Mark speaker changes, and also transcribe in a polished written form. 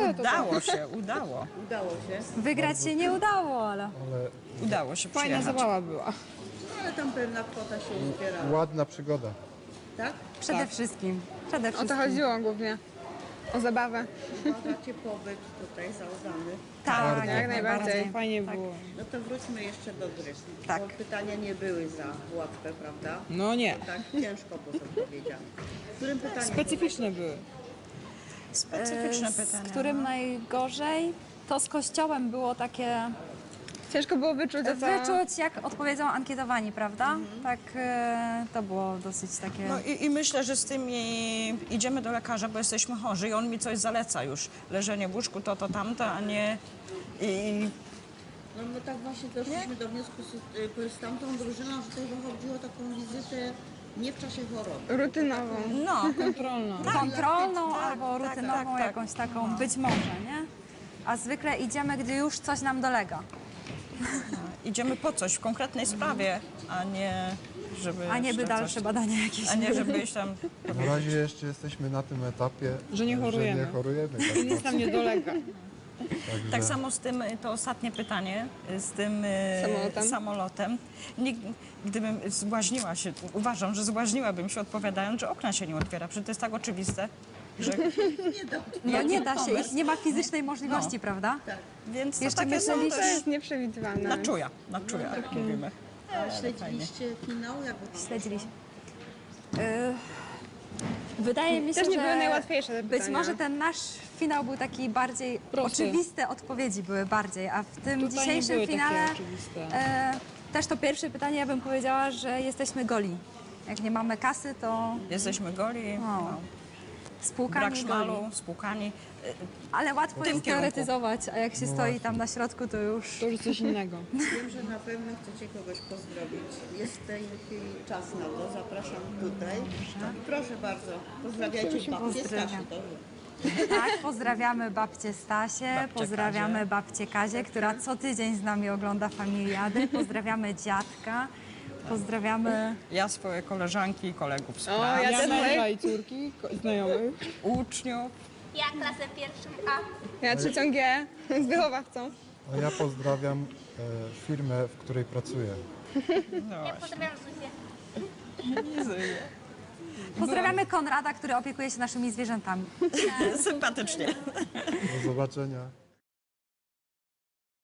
Speaker 1: ale to
Speaker 2: Udało się, udało.
Speaker 3: Udało się,
Speaker 4: Wygrać się nie udało, ale...
Speaker 5: Ale
Speaker 2: Udało się
Speaker 1: fajna
Speaker 2: przyjechać.
Speaker 1: zabawa była.
Speaker 3: ale tam pewna kwota się uzbierała,
Speaker 5: ładna przygoda.
Speaker 3: tak?
Speaker 4: Przede wszystkim. Przede
Speaker 1: O to
Speaker 4: wszystkim.
Speaker 1: chodziło głównie. O zabawę.
Speaker 3: Uważacie pobyt tutaj zaudany.
Speaker 4: Tak,
Speaker 1: Jak najbardziej. Fajnie
Speaker 4: Tak.
Speaker 1: było.
Speaker 3: No to wróćmy jeszcze do gry.
Speaker 4: Tak.
Speaker 3: Bo pytania nie były za łatwe, prawda?
Speaker 1: No nie.
Speaker 3: Tak ciężko było odpowiedziane. W którym pytaniu?
Speaker 1: Specyficzne były.
Speaker 2: Specyficzne
Speaker 4: Z
Speaker 2: pytania.
Speaker 4: którym najgorzej? To z kościołem było takie...
Speaker 1: Ciężko było wyczuć, o co...
Speaker 4: Wyczuć, jak odpowiedzą ankietowani, prawda? Tak, to było dosyć takie...
Speaker 2: No i myślę, że z tym idziemy do lekarza, bo jesteśmy chorzy i on mi coś zaleca już. Leżenie w łóżku, to tamto, a nie...
Speaker 3: No my tak właśnie doszliśmy do wniosku z tamtą drużyną, że tutaj chodziło o taką wizytę nie w czasie choroby.
Speaker 1: Rutynową.
Speaker 2: No,
Speaker 1: Kontrolną.
Speaker 4: kontrolną albo rutynową,
Speaker 2: tak.
Speaker 4: jakąś taką, być może, nie? A zwykle idziemy, gdy już coś nam dolega,
Speaker 2: idziemy po coś w konkretnej sprawie, a nie żeby...
Speaker 4: a nie by
Speaker 2: jeszcze
Speaker 4: dalsze
Speaker 2: coś-
Speaker 4: badania jakieś.
Speaker 2: A nie żeby iść tam...
Speaker 5: Na razie jeszcze jesteśmy na tym etapie,
Speaker 1: Że nie chorujemy.
Speaker 5: Że nie chorujemy tak
Speaker 1: Nic nam nie dolega.
Speaker 5: Także
Speaker 2: Tak samo z tym, to ostatnie pytanie, z tym samolotem. Gdybym zbłaźniła się, uważam, że zbłaźniłabym się odpowiadając, że okna się nie otwiera. Przecież to jest tak oczywiste, że...
Speaker 4: No nie da się,
Speaker 2: pomysł.
Speaker 4: ich nie ma fizycznej możliwości, prawda?
Speaker 2: Więc to
Speaker 4: Jeszcze
Speaker 2: takie są
Speaker 4: myśleliście-
Speaker 1: To
Speaker 2: też
Speaker 1: jest nieprzewidywalne.
Speaker 2: na czuja, jak mówimy.
Speaker 3: A śledziliście finał? Jak
Speaker 4: Śledziliśmy. Wydaje mi się,
Speaker 1: Też nie
Speaker 4: że
Speaker 1: były najłatwiejsze te
Speaker 4: być
Speaker 1: pytania.
Speaker 4: może ten nasz finał był taki bardziej,
Speaker 1: Prosty.
Speaker 4: oczywiste odpowiedzi były bardziej, a w tym
Speaker 1: Tutaj nie
Speaker 4: dzisiejszym
Speaker 1: były takie
Speaker 4: finale
Speaker 1: oczywiste.
Speaker 4: też to pierwsze pytanie, ja bym powiedziała, że jesteśmy goli. Jak nie mamy kasy, to
Speaker 2: Jesteśmy goli, no.
Speaker 4: spłukani
Speaker 2: Brak
Speaker 4: goli.
Speaker 2: szmalu, spłukani.
Speaker 4: Ale łatwo
Speaker 2: tym
Speaker 4: jest
Speaker 2: kierunku.
Speaker 4: teoretyzować, a jak się stoi tam na środku, to już...
Speaker 1: To już coś innego.
Speaker 3: Wiem, że na pewno chcecie kogoś pozdrowić. Jest w tej chwili czas na to. Zapraszam tutaj. Proszę bardzo. Pozdrawiajcie babcię
Speaker 4: pozdrawiam.
Speaker 3: Stasiu.
Speaker 4: Tak, pozdrawiamy babcię Stasię,
Speaker 2: Babcię
Speaker 4: pozdrawiamy
Speaker 2: Kazię.
Speaker 4: babcię Kazię, która co tydzień z nami ogląda Familiady, pozdrawiamy dziadka, pozdrawiamy...
Speaker 2: Ja swoje koleżanki i kolegów z
Speaker 1: O,
Speaker 2: pracy,
Speaker 1: ja też
Speaker 4: moje-
Speaker 1: moje i córki, znajomych.
Speaker 2: uczniów.
Speaker 6: Ja klasę pierwszą A.
Speaker 1: Ja trzecią G z wychowawcą.
Speaker 5: a ja pozdrawiam firmę, w której pracuję.
Speaker 6: Ja pozdrawiam Zuzię.
Speaker 4: Pozdrawiamy Konrada, który opiekuje się naszymi zwierzętami.
Speaker 2: Sympatycznie.
Speaker 5: Do zobaczenia.